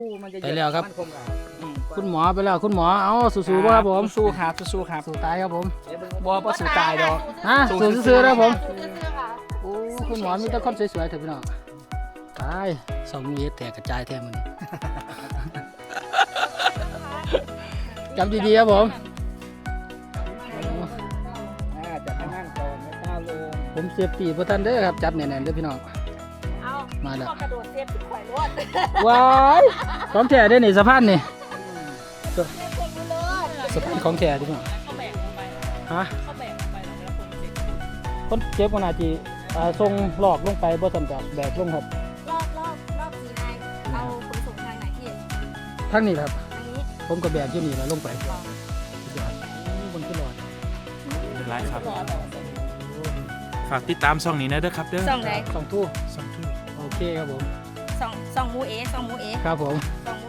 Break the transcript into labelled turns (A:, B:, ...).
A: ไปแล้วครับคุณหมอไปแล้วคุณหมอเอาสู้ๆครับผมสู้ครับสู้ครับสู้ตายครับผมบ่สู้ตายดอกฮะสู้ซื่อๆครับผมโอ้คุณหมอมีแต่คนสวยๆเถอะพี่น้องตายสองมือแตกกระจายแทนมันจำดีๆครับผมจับนั่งก่อนไม่ก้าวลงผมเสียบปีพระท่านเด้อครับจับแน่นๆเด้อพี่น้องมาแล้วกระโดดเสียบติดข่อยรวดว้ายของแท้ได้นี่สะพานนี่สะพานของแท้ดิพี่น้องฮะคนเจ็บคนอาจจะส่งหลอกลงไปบ่ทันกับแบกลงครับ
B: รอบสีนายเอาขนส่งทางไหนพี่
A: ทางนี้ครับ
B: ทางนี้
A: ผมก็แบกอยู่นี่แล้วลงไปบนขึ้นรอด
C: เป็นไรครับฝากติดตามช่องนี้นะเด้อครับเด้อ
B: ส่องไหน
A: สองทู่
C: ช่องทู่
A: โอเคครับผม
B: ส่องมูเอส่องมูเอ
A: ครับผม
B: ส่อง